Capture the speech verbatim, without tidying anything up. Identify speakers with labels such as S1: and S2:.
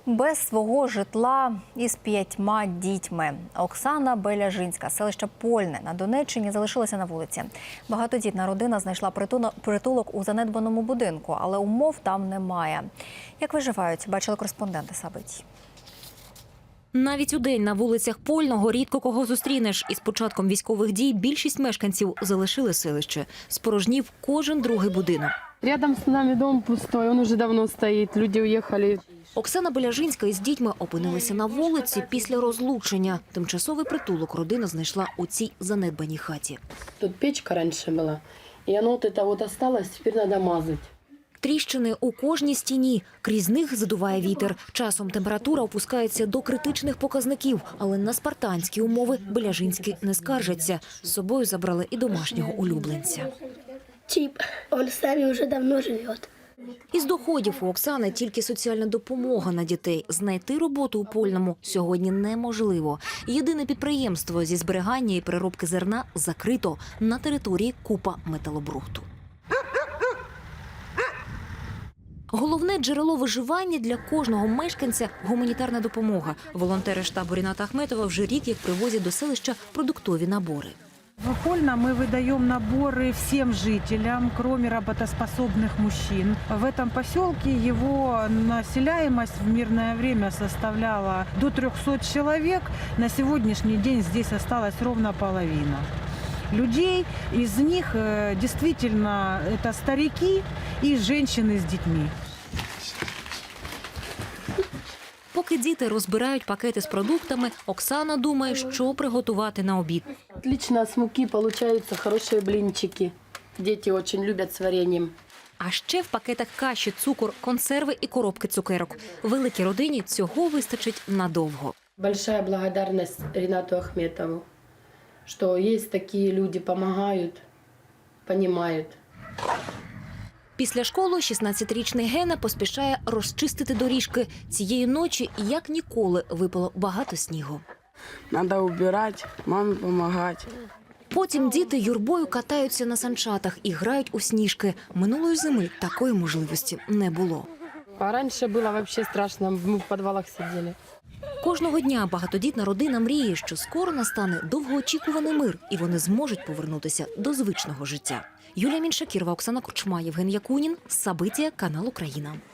S1: Без свого житла із п'ятьма дітьми. Оксана Беляжинська, селище Польне на Донеччині, залишилася на вулиці. Багатодітна родина знайшла притулок у занедбаному будинку, але умов там немає. Як виживають, бачили кореспонденти Сабиті.
S2: Навіть удень на вулицях Польного рідко кого зустрінеш. Із початком військових дій більшість мешканців залишили селище. Спорожнів кожен другий будинок.
S3: Рядом з нами дом пустой, він вже давно стоїть, люди уїхали.
S2: Оксана Беляжинська із дітьми опинилися на вулиці після розлучення. Тимчасовий притулок родина знайшла у цій занедбаній хаті.
S3: Тут печка раніше була, і воно от це от осталось, тепер треба мазати.
S2: Тріщини у кожній стіні. Крізь них задуває вітер. Часом температура опускається до критичних показників. Але на спартанські умови Беляжинські не скаржаться. З собою забрали і домашнього улюбленця.
S4: Чіп, він з нами вже давно живе.
S2: Із доходів у Оксани тільки соціальна допомога на дітей. Знайти роботу у Польному сьогодні неможливо. Єдине підприємство зі зберігання і переробки зерна закрито. На території купа металобрухту. Головне джерело виживання для кожного мешканця – гуманітарна допомога. Волонтери штабу Ріната Ахметова вже рік як привозять до селища продуктові набори.
S5: В Польном мы выдаем наборы всем жителям, кроме работоспособных мужчин. В этом поселке его населяемость в мирное время составляла до трёхсот человек. На сегодняшний день здесь осталась ровно половина людей. Из них действительно это старики и женщины с детьми.
S2: Поки діти розбирають пакети з продуктами, Оксана думає, що приготувати на обід.
S3: Отлично, з муки получаються хороші блинчики. Діти дуже люблять з вареньем.
S2: А ще в пакетах каші, цукор, консерви і коробки цукерок. Великій родині цього вистачить надовго.
S3: Большая благодарность Ринату Ахметову, що є такі люди, допомагають, розуміють.
S2: Після школи шістнадцятирічний Гена поспішає розчистити доріжки. Цієї ночі, як ніколи, випало багато снігу.
S6: Треба убирати, мамі допомагати.
S2: Потім діти юрбою катаються на санчатах і грають у сніжки. Минулої зими такої можливості не було.
S3: А раніше було взагалі страшно, ми в підвалах сиділи.
S2: Кожного дня багатодітна родина мріє, що скоро настане довгоочікуваний мир, і вони зможуть повернутися до звичного життя. Юлія Міншакірова, Оксана Кучма, Євген Якунін, Сабитія, канал Україна.